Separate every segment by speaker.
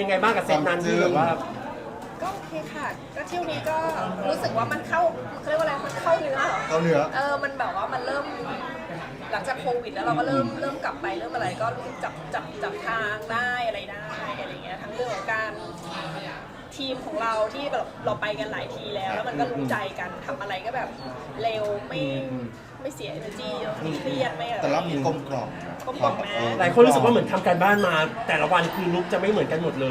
Speaker 1: ไงบ้างกับเซตนั้นที่แบบว่า
Speaker 2: ก็โอเคค่ะก็เที่ยวนี้ก็รู้สึกว่ามันเข้าเขาเรียกว่าอะไรมันเข้าเนื้อเหรอ
Speaker 3: เข้าเนื้อ
Speaker 2: มันแบบว่ามันเริ่มหลังจากโควิดแล้วเราก็เริ่มกลับไปเริ่มอะไรก็รู้สึกจับทางได้อะไรได้อะไรเงี้ยทั้งเรื่องของการทีมของเราที่แบบเราไปกันหลายทีแล้วมันก็รู้ใจกันทำอะไรก็แบบเร็วไม่เสีย energy ไม่เครียดไม่อะไร
Speaker 3: แต่รอบนี้กลมกล่อม
Speaker 2: กลมกล่อมนะ
Speaker 1: หลายคนรู้สึกว่าเหมือนทำการบ้านมา แต่ละวันคือลุกจะไม่เหมือนกันหมดเลย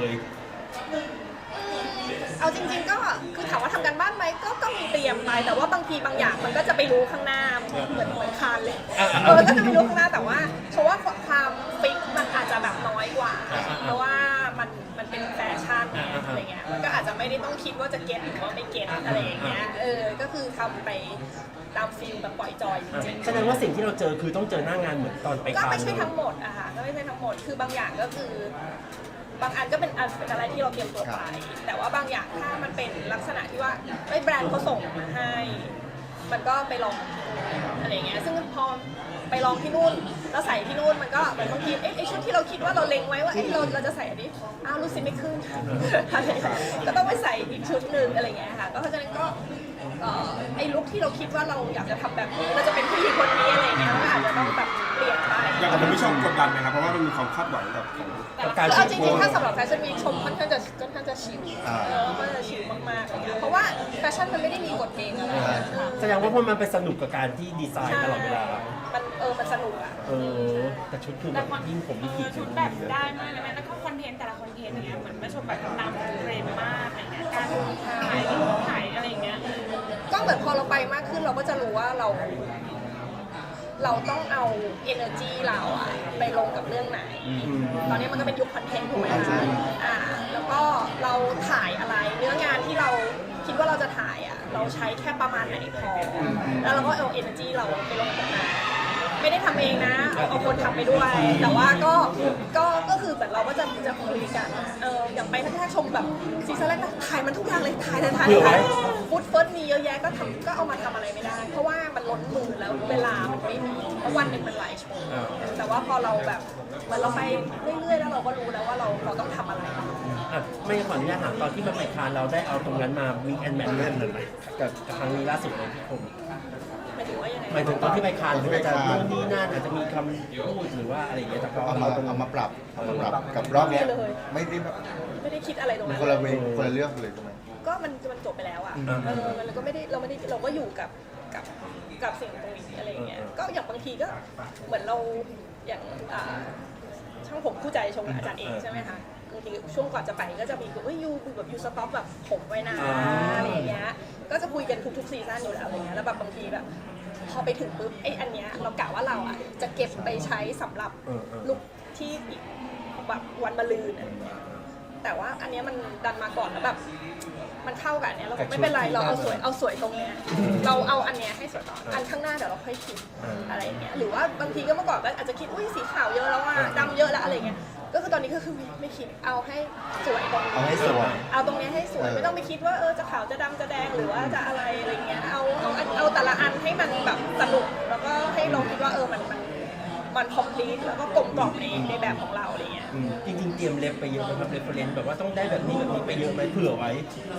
Speaker 2: เอาจริงๆก็คือถามว่าทำกันบ้านไหมก็มีเตรียมไปแต่ว่าบางทีบางอย่างมันก็จะไปรู้ข้างหน้าเหมือนคานเลยก็จะไปรู้ข้างหน้าแต่ว่าเพราะว่าความฟิกมันอาจจะแบบน้อยกว่าเพราะว่ามันเป็นแฟชั่นอะไรเงี้ยมันก็อาจจะไม่ได้ต้องคิดว่าจะเก็ตหรือว่าไม่เก็ตอะไรอย่างเงี้ยก็คือทำไปตามฟิลแบบปล่อยจอยจริงๆ
Speaker 1: แสดงว่าสิ่งที่เราเจอคือต้องเจอหน้างานเหมือนตอนไปคาน
Speaker 2: ก็ไม่ใช่ทั้งหมดอะค่ะก็ไม่ใช่ทั้งหมดคือบางอย่างก็คือบางอันก็เป็นอะไรที่เราเตรียมตัวไปแต่ว่าบางอย่างถ้ามันเป็นลักษณะที่ว่าแบรนด์เขาส่งมาให้มันก็ไปลองอะไรเงี้ยซึ่งพอไปลองที่นู่นแล้วใส่ที่นู่นมันก็เหมือนบางทีไอ้ชุดที่เราคิดว่าเราเล็งไว้ว่าเราจะใส่อันนี้รู้สึกไม่ขึ้นอะไรก็ต้องไปใส่อีกชุดหนึ่งอะไรเงี้ยค่ะก็เพราะฉะนั้นก็ไอ้ลุคที่เราคิดว่าเราอยากจะทำแบบนี้เราจะเป็นผู้หญิงคนนี้อะไรเงี้ยก็อาจจะต้องแบบเปลี่ยนไป
Speaker 4: อย่างคุณผู้ชมกดดันไหมครับเพราะว่ามันมีความคาดหวังกับ
Speaker 1: การ
Speaker 2: เอาจริงๆถ้าสำหรับแฟชั่นวีคชมค่อนข้างจะชิลก็จะชิลมากๆเลยเพราะว่าแฟชั่นมันไม่ได้มีกฎเกณฑ์อะไรค่ะ
Speaker 1: แสดงว่าพวกมันเป็นสนุกกับการที่ดีไซน์ตลอดเวลา
Speaker 2: มันสนุกอ่ะ
Speaker 1: แต่ชุดคือแบบยิ่งผมยิ่งผิด
Speaker 5: ชุดแบบได้มากเลยนะแล้วก็คอนเทนต์แต่ละคอนเทนต์เนี้ยเหมือนไม่ชมแบบนำเทรนด์มากอะไรเงี้ยการถ่ายรูปถ่ายอะไรอย่างเงี้ย
Speaker 2: ก็เหมือนพอเราไปมากขึ้นเราก็จะรู้ว่าเราต้องเอา energy เราอะไปลงกับเรื่องไหนตอนนี้มันก็เป็นยุคคอนเทนต์ถูกไหมคะแล้วก็เราถ่ายอะไรเนื้องานที่เราคิดว่าเราจะถ่ายอะเราใช้แค่ประมาณไหนพอแล้วเราก็เอา energy เราไปลงกับนั้นไม่ได้ทำเองนะเอาคนทำไปด้วยแต่ว่าก็คือแบบเราก็จะคุยกันอย่างไปถ้าชมแบบซีซั่นแรกถ่ายมันทุกอย่างเลยถ่ายฟุตเฟิร์สมีเยอะแยะก็เอามาทำอะไรไม่ได้ เพราะว่ามันล้นมือแล้วเวลามันไม่มีเพราะวันหนึ่งมันหลายชั่วโมงแต่ว่าพอเราแบบเหมือนเราไปเรื่อยๆแล้วเราก็รู้แล้วว่าเราต้องทำอะไร
Speaker 1: ไม่ขออนุญาตถามตอนที่มาไปคานเราได้เอาตรงนั้นมาวีคแอนด์แมทเลยไหมกับครั้งนี้ล่าสุดเลยพี่ผม
Speaker 2: หมายถึงว่ายังไง
Speaker 1: หมายถึงตอนที่ไปคานที่อาจจะนู่นนี่นั่นอาจจะมีคำพูดหรือว่าอะไรอย่างเงี้ยแต่พอ
Speaker 3: เอามาปรับกับรอบนี้ไม่
Speaker 2: ได้คิดอะไรตรงนั้น
Speaker 3: คนละเรื่องเลยใช่ไหม
Speaker 2: ก็มันจบไปแล้วอ่ะมันก็ไม่ได้เราก็อยู่กับสิ่งตรงนี้อะไรอย่างเงี้ยก็อย่างบางทีก็เหมือนเราอย่างช่างผมคู่ใจชมอาจารย์เองใช่ไหมคะบางทีช่วงก่อนจะไปก็จะมียูสต็อปแบบผมไว้นะอะไรอย่างเงี้ยก็จะคุยกันทุกซีซั่นอยู่แล้วอะไรเงี้ยแล้วแบบบางทีแบบพอไปถึงปุ๊บอันเนี้ยเรากะว่าเราอ่ะจะเก็บไปใช้สำหรับลุคที่แบบวันมะรืนแต่ว่าอันเนี้ยมันดันมาก่อนแล้วแบบมันเข้ากับอันเนี้ยเราไม่เป็นไรเราเอาสวยตรงเนี้ยเราเอาอันเนี้ยให้สวยต่ออันข้างหน้าเดี๋ยวเราค่อยคิดอะไรเงี้ยหรือว่าบางทีก็เมื่อก่อนก็อาจจะคิดสีขาวเยอะแล้วว่าดำเยอะแล้วอะไรเงี้ยก็คือตอนนี้ก็คือไม่คิดเอาให้สวยตรงนี้เอาตรงนี้ให้สวยไม่ต้องไปคิดว่าจะขาวจะดำจะแดงหรือว่าจะอะไรเงี้ยเอาแต่ละอันให้มันแบบสนุกแล้วก็ให้เราคิดว่ามันคอมพลีทแล้วก็กลมกล่อมในแบบของเราอะไรเงี้ย
Speaker 1: จริงๆเตรียมเล็บไปเยอะไหมครับเรฟเฟอเรนซ์แบบว่าต้องได้แบบนี้ไปเยอะไหมเผื่อไว้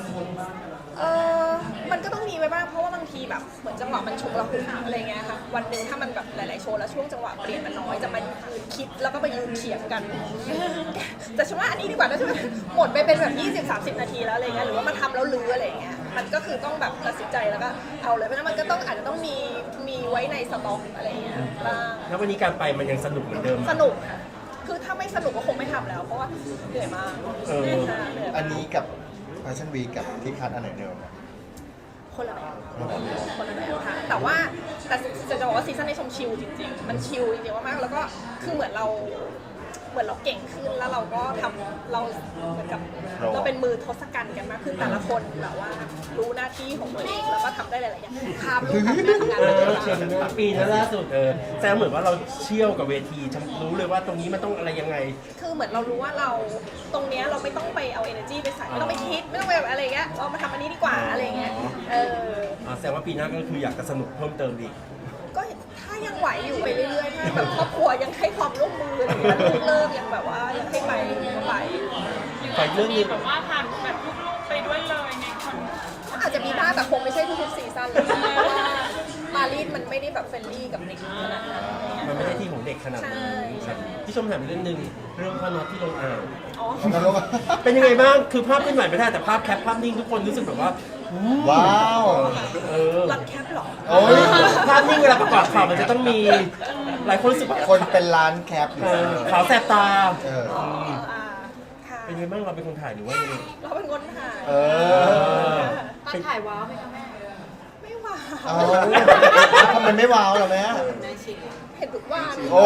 Speaker 2: มันก็ต้องมีไว้บ้างเพราะว่าบางทีแบบเหมือนจังหวะมันฉุกละหุกอะไรเงี้ยค่ะวันหนึ่งถ้ามันแบบหลายๆโชว์แล้วช่วงจังหวะเปลี่ยนมันน้อยจะมายืนคิดแล้วก็ไปยืนเถียงกันแต่ฉันว่าอันนี้ดีกว่านะใช่ไหมหมดไปเป็นแบบ20-30 นาทีแล้วอะไรเงี้ยหรือว่ามาทำแล้วลื้ออะไรเงี้ยมันก็คือต้องแบบตัดสินใจแล้วก็เอาเลยเพราะฉะนั้นมันก็ต้องอาจจะต้องมีไว้ในสต็อกอะไรเงี้ยบ้าง
Speaker 1: แล้ววันนี้การไปมันยังสนุกเหมือนเดิม
Speaker 2: สนุกค่ะคือถ้าไม่สนุกก็คงไม่ทำแล้วเพราะว่าเหนื่อยมาก
Speaker 3: อันนี้กับแฟชั่นวีกับที่คัดอันไหนเดิม
Speaker 2: คนละแบบค่ะแต่จะบอกว่าซีซั่นในชมชิลจริงๆมันชิลจริงๆมากๆแล้วก็คือเหมือนเราเก่งขึ้นแล้วเราก็ทำเราเหมือนกับเราเป็นมือทศกัณฐ์กันมากขึ้นแต่ละคนแบบว่ารู้หน้าที่ของตัวเองแล้วก็ทำได้หลายๆอย่างพาลูกพาแม่ทำงานไปด้วย
Speaker 1: ปีนั้นล่าสุดแซมเหมือนว่าเราเชี่ยวกับเวทีรู้เลยว่าตรงนี้มันต้องอะไรยังไง
Speaker 2: คือเหมือนเรารู้ว่าเราตรงเนี้ยเราไม่ต้องไปเอา energy ไปใส่ไม่ต้องไปคิดไม่ต้องไปแบบอะไรเงี้ยเรามาทำอันนี้ดีกว่าอะไรเงี้ย
Speaker 1: แสดงว่าปีหน้าก็คืออยากจะสนุกเพิ่มเติมอีก
Speaker 2: ก็ถ้ายังไหวอยู่ไปเรื่อยๆถ้าแบบครอบครัวยังให้ความร่วมมืออะไรอย่างเงี้ยลูกเลิกยังแบบว่ายังให้ไปก็ไป
Speaker 1: ไปเรื่อง
Speaker 5: มี
Speaker 1: นี้
Speaker 5: แบบว่าพาแบบลูกๆไปด้วยเลยในคอน
Speaker 2: อาจจะมีบ้างแต่คงไม่ใช่ทุกๆซีซั่นเลยเพราะว่ามารีดมันไม่ได้แบบเฟรนลี่กับเด็กขนาดนั้น
Speaker 1: มันไม่ได้ที่ของเด็กขนาดนั้นครับที่ชมถามเรื่องหนึ่งเรื่องพ่อน็อตที่ลงอ่าง
Speaker 2: อ๋อ
Speaker 3: แล้วก็
Speaker 1: เป็นยังไงบ้างคือภาพเคลื่อนไหวไม่ได้แต่ภาพแคปภาพนิ่งทุกคนรู้สึกแบบว่าอืม
Speaker 3: ว้าว
Speaker 1: เออ
Speaker 2: รักแคปเหรอ
Speaker 3: โอ้ย
Speaker 1: ภาพนิ่งเวลาประกอบข่าวมันจะต้องมีหลายคนรู้สึกว่า
Speaker 3: คนเป็นล้านแคปอยู่
Speaker 1: ขาวแสบตา
Speaker 3: เออ
Speaker 2: อ๋อค่ะ
Speaker 1: เป็นยังไงบ้างเราเป็นคนถ่ายหรือว่ายังไง
Speaker 2: เราเป็นคนถ่าย
Speaker 3: เออ
Speaker 5: ตอนถ่ายว้าวไหมคะแม่
Speaker 2: ไม่ว่า
Speaker 3: เอาทำไมไม่ว้าวล่ะแม่
Speaker 2: เห็นทุกวัน
Speaker 3: โอ้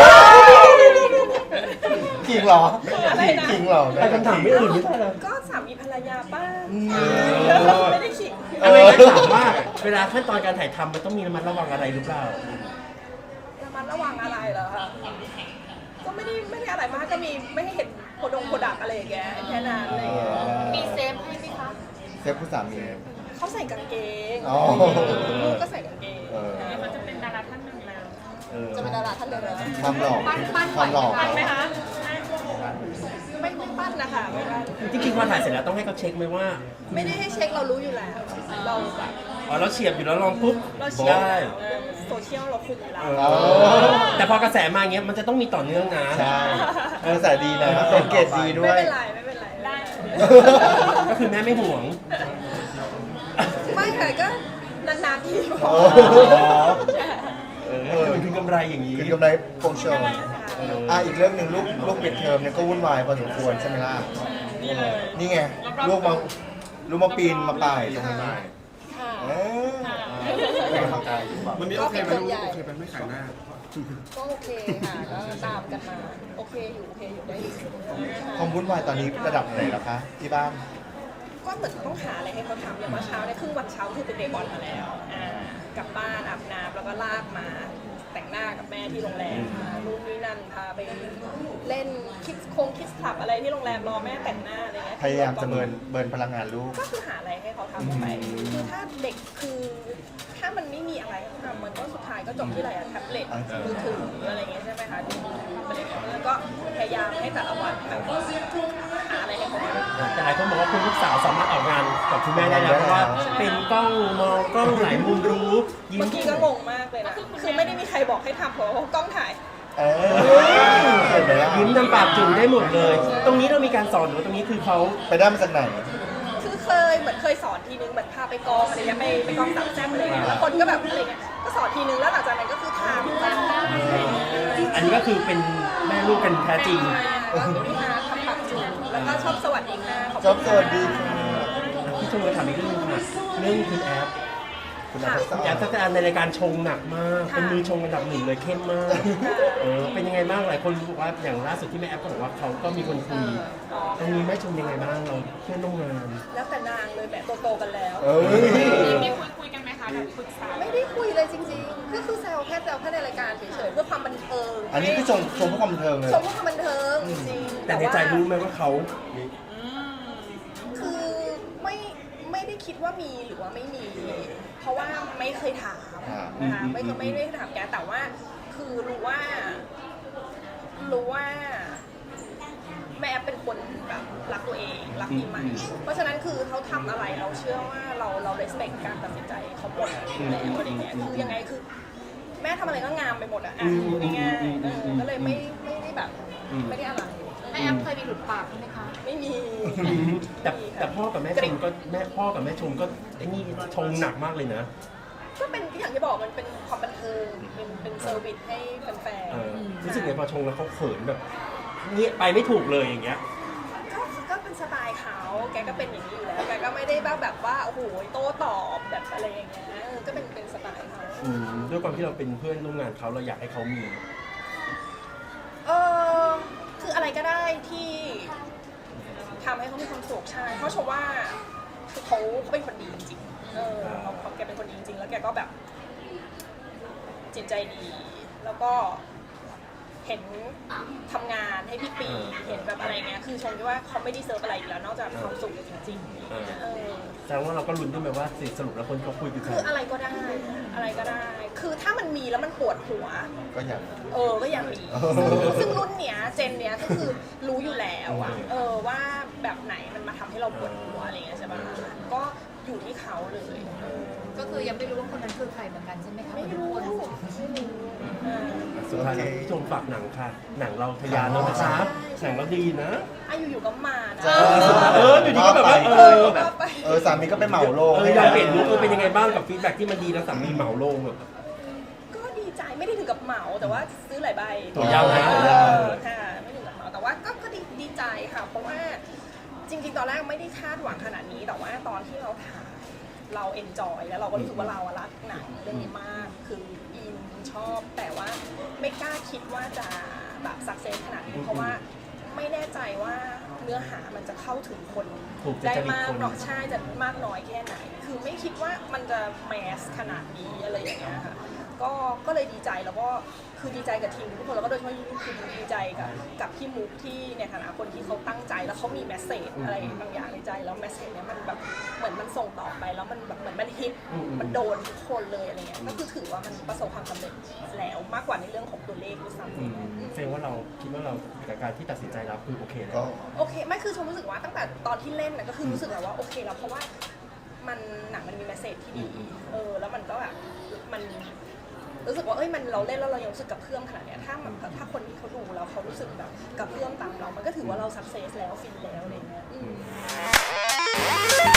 Speaker 3: จริงเหรอ
Speaker 2: อะไรนะ
Speaker 3: จริงเหรอ
Speaker 1: แต่คำถามไม่อื่นไม่ใช่เหรอ
Speaker 2: ก็สามีภรรยาป้า
Speaker 3: อ
Speaker 2: ไม่ได้ขิง
Speaker 1: อะไรนะถามว่าเวลาขั้นตอนการถ่ายทำมันต้องมีระมัดระวังอะไรหรือเปล่า
Speaker 2: ระมัดระวังอะไรเหรอคะก็ไม่ได้อะไรมากก็มีไม่ให้เห็นโพดักอะไรอย่างเงี้ยแค่นั้นอะไรอย่างเงี้ย
Speaker 5: มีเซฟให้ไหมคะ
Speaker 3: เซฟผู้สามี
Speaker 2: เขาใส่กางเกง
Speaker 3: อ๋อ
Speaker 2: ลูกก็ใส่กางเกง
Speaker 3: เออ
Speaker 5: เขาจะเป็นดาราท่านหนึ่งแล้ว
Speaker 2: จะเป็นดาราท่านเดียวเลย
Speaker 3: ความหล่อความหล่อ
Speaker 5: ปั้นไหมคะ
Speaker 2: ไม่ปั้นนะคะไม่ปั้น
Speaker 1: จริงๆพอถ่ายเสร็จแล้วต้องให้เขาเช็คไหมว่า
Speaker 2: ไม่ได้ให้เช็คเรารู้อยู่แล้ว เราแบบ
Speaker 1: อ๋อเราเฉียบอยู่แล้วลองปุ๊บ
Speaker 2: เราเชียร์
Speaker 1: ได้
Speaker 2: เรื่องโซเชียลเราคุมอยู่แล้ว
Speaker 3: อ๋อ
Speaker 1: แต่พอกระแสมาอย่างเงี้ยมันจะต้องมีต่อเนื่องนะ
Speaker 3: ใช่เออสายดีนะเป็นเกรดดีด้ว
Speaker 2: ไม่
Speaker 3: ย
Speaker 2: เป็นไรไม่เป็นไรได้
Speaker 1: ก็คือแม่ไม่ห่วง
Speaker 2: ไม่ค่ะก็นานๆทีพอ
Speaker 3: โอ้โห
Speaker 1: มันคือกำไรอย่างนี้
Speaker 3: คือกำไรโปรโชว์อีกเรื่องหนึ่งลูกปิดเทอมเนี่ยก็วุ่นวายพอสมควรใช่ไหมล่ะ
Speaker 5: นี่เลย
Speaker 3: นี่ไงลูกมาปีนมาป่ายตรงนี้
Speaker 2: ค่ะ
Speaker 3: เออเป็นกำลังใจอยู่แบบ
Speaker 4: วันนี้โอเคไหมลูกโอเคไหมไม่ขายหน้า
Speaker 2: ก็โอเคค่ะก็ตามกันมาโอเคอยู่ได้อยู่
Speaker 3: ความวุ่นวายตอนนี้ระดับไหนแล้วคะที่บ้าน
Speaker 2: ก็เหมือนต้องหาอะไรให้เขาทำอย่างเมื่อเช้าเนี่ยครึ่งวันเช้าคือเป็นเดย์บอลมาแล้วกลับบ้านอาบน้ำแล้วก็ลากมาแต่งหน้ากับแม่ที่โรงแรมนู่นนี่นั่นพาไปเล่นคิดคลับอะไรที่โรงแรมรอแม่แต่งหน้าอะไรเงี้ย
Speaker 3: พยายามจะเบิร์นพลังงานลูก
Speaker 2: ก็คือหาอะไรให้เขาทำไปคือถ้าเด็กคือถ้ามันไม่มีอะไรให้ทำมันก็สุดท้ายก็จบที่อะไรอะแท็บเล็ตมือถืออะไรเงี้ยใช่ไหมคะดูอะไรเงี้ยแล้วก็พยายามให้แต่ละวันแบบหาอะไรให้เขาทำ
Speaker 1: แต่หลายคนบอกว่าคุณลูกสาวสามารถออกงานกับคุณแม่ได้แล้วเพราะว่าเป็นกล้องมองกล้องหลายมุมรู้ยิ้ม
Speaker 2: เมื่อกี้ก็งงมากเลยนะ คือไม่ได้มีใครบอกให้ทำเพราะว่ากล้องถ่าย
Speaker 3: เออเห็นไหมล่ะ
Speaker 1: ยิ้มทำปากจุ๋มได้หมดเลย ตรงนี้เรามีการสอนหรือว่าตรงนี้คือเขา
Speaker 3: ไปได้มาจากไหน
Speaker 2: คือเหมือนเคยสอนทีนึงเหมือนพาไปกองอะไรเงี้ยไปกองสามแซ่บอะไรเงี้ยแล้วคนก็แบบอะไรเงี้ย ก็สอนทีนึงแล้วหลังจากนั้นก็คือทำอะไรเงี้ย
Speaker 1: อันนี้ก็คือเป็นแม่ลูกกันแท้จริง
Speaker 2: ก็คือพี่นาทำปากจุ๋มแล้วก็ชอบสวัสดีค่ะขอบ
Speaker 3: ชอบ
Speaker 2: คุณ
Speaker 3: สวัสดีค่ะ
Speaker 1: ที่ชมจะถามอีกเรื่องหนึงค่ะเรื่องคุณแอฟ
Speaker 3: คุณอาภาษ
Speaker 1: คุณแอฟทักษะในรายการชงหนักมาก เป็นมือชงอันดับหนึ่งเลยเข้มมากเป็นยังไงบ้างหลายคนรู้ว่าอย่างล่าสุดที่แม่แอฟก็บอกว่าเขาก็มีคนคุยตรงนี้แม่ชมยังไงบ้างเราเพื่อนร่วมงาน
Speaker 2: แล้วแต่นางเลยแบบโตๆกันแล้ว
Speaker 3: เอ้ย
Speaker 5: มีคุยกันไหมคะแบบปรึกษา
Speaker 2: ไม่ได้คุยเลยจริงๆ ก็คือแซวแค่ในรายการเฉยๆเพื่อความบันเทิง
Speaker 3: อันนี้คือชมเพื่อความบันเทิงเลย
Speaker 2: ชมเพื่อความบันเทิงจริงๆ
Speaker 1: แต่ในใจรู้ไหมว่าเขา
Speaker 2: คือไม่ได้คิดว่ามีหรือว่าไม่มี เพราะว่าไม่เคยถามนะคะไม่ได้ถามแกแต่ว่าคือรู้ว่าแม่เป็นคนแบบรักตัวเองรักปีใหม่เพราะฉะนั้นคือเขาทำอะไรเราเชื่อว่าเรา respect การตัดสินใจเขาหมดแล้วอะไรเงี้ยคือยังไงคือ แม่ทำอะไรก็งามไปหมดอะง่ายๆก็เลยไม่ได้แบบไม่ได้อะไร
Speaker 5: แม่แอมเคยมีหลุดปากไหมคะ
Speaker 2: ไม่มี
Speaker 1: แต่พ่อกับแม่ชมก็พ่อกับแม่ชมก็ไอ้นี่ชงหนักมากเลยนะ
Speaker 2: ก็เป็นอย่างที่บอกมันเป็นความบันเทิงเป็นเซอร์วิสให้แฟน
Speaker 1: รู้สึกไงพอชงแล้วเขาเขินแบบเงี้ยไปไม่ถูกเลยอย่างเงี้ย
Speaker 2: ๆก็เป็นสไตล์เขาแกก็เป็นอย่างนี้อยู่แล้วแกก็ไม่ได้แบบว่าโอ้โหโต้ตอบแบบอะไรอย่างเงี้ยก็เป็นสไตล์เขา
Speaker 1: ด้วยความที่เราเป็นเพื่อนร่วมงานเขาเราอยากให้เขามี
Speaker 2: คืออะไรก็ได้ที่ทำให้เขามีความสุขใช่เพราะชมว่าคือเขาเป็นคนดีจริงๆเขาแกเป็นคนดีจริงๆแล้วแกก็แบบจิตใจดี แล้วก็เห็นทำงานให้พี่ปีเห็นแบบอะไรเงี้ยคือชมว่าเขาไม่ได้เซิร์ฟอะไรอีกแล้วนอกจากความสุขจริงๆ
Speaker 1: แสดงว่าเราก็ลุ้นด้วยไหมว่าสรุปแล้วคนเขาคุยกัน
Speaker 2: คืออะไรก็ได้ คือถ้ามันมันมีแล้วมันปวดหัว
Speaker 3: ก็อยาก
Speaker 2: ก็ยังมีซึ่งรุ่นเนี้ยเจนเนี้ยก็คือรู้อยู่แล้วอะว่าแบบไหนมันมาทำให้เราปวดหัวอะไรเงี้ยใช่ปะก็อยู่ที่เขาเลย
Speaker 6: ก็คือยังไม่รู้ว่าคนนั้นคือใครเหมือนกันใช่ไหมคะ
Speaker 2: ไม่รู้
Speaker 1: สุดท้ายแล้วพี่ชมฝากหนังค่ะ หนังเราทะยานแล้วนะครับหนังเราดีนะ
Speaker 2: อยู่ๆก็มานะ
Speaker 1: อยู่ดีก็แบบว่า
Speaker 2: แบบ
Speaker 3: สามีก็ไปเหมาโลง
Speaker 1: อยากเห็นลูกเป็นยังไงบ้างกับฟีดแบ็กที่มันดีแล้วสามีเหมาลงแบบ
Speaker 2: ก็ดีใจไม่ได้ถึงกับเหมาแต่ว่าซื้อหลายใบ
Speaker 1: ตัวยาวนะ
Speaker 2: ค่ะไม่ถึงกับเหมาแต่ว่าก็ดีใจค่ะ เพราะว่าจริงๆตอนแรกไม่ได้คาดหวังขนาดนี้แต่ว่าตอนที่เราถ่ายเราเอนจอยแล้วเราก็รู้สึกว่าเรารักหนังเรื่องนี้มากคืออินชอบแต่ว่าไม่กล้าคิดว่าจะแบบสักเซสขนาดนี้เพราะว่าไม่แน่ใจว่าเนื้อหามันจะเข้าถึงคนได้มากหรอกใช่จะมากน้อยแค่ไหน คือไม่คิดว่ามันจะแมสขนาดนี้อะไรอย่างเงี้ยค่ะก็เลยดีใจแล้วก็คือดีใจกับทีมทุกคนแล้วก็โดยเฉพาะยิ่งคือดีใจกับพี่มุกที่ในฐานะคนที่เขาตั้งใจแล้วเขามีแมสเซจอะไรบางอย่างในใจแล้วแมสเซจเนี้ยมันแบบเหมือนมันส่งต่อไปแล้วมันแบบเหมือนมันฮิตมันโดนทุกคนเลยอะไรเงี้ยก็คือถือว่ามันประสบความสำเร็จแล้วมากกว่าในเรื่องของตัวเลขด้วยซ้ำ
Speaker 1: แสดงว่าเราคิดว่าเรากับการที่ตัดสินใจเราคือโอเคแล้
Speaker 3: ก็
Speaker 1: ว
Speaker 2: โอเคไม่คือชมรู้สึกว่าตั้งแต่ตอนที่เล่นนะก็คือรู้สึกแล้วว่าโอเคแล้วเพราะว่ามันหนังมันมีแมสเซจที่ดีแล้วมันก็แบบมันรู้สึกว่ามันเราเล่นแล้วเรายังรู้สึกกับเพื่อมขนาดเนี้ยถ้าคนที่เขาดูแล้วเขารู้สึกแบบกับเพื่อมตามเรามันก็ถือว่าเราสักเซสแล้วฟินแล้วอะไรเงี้ย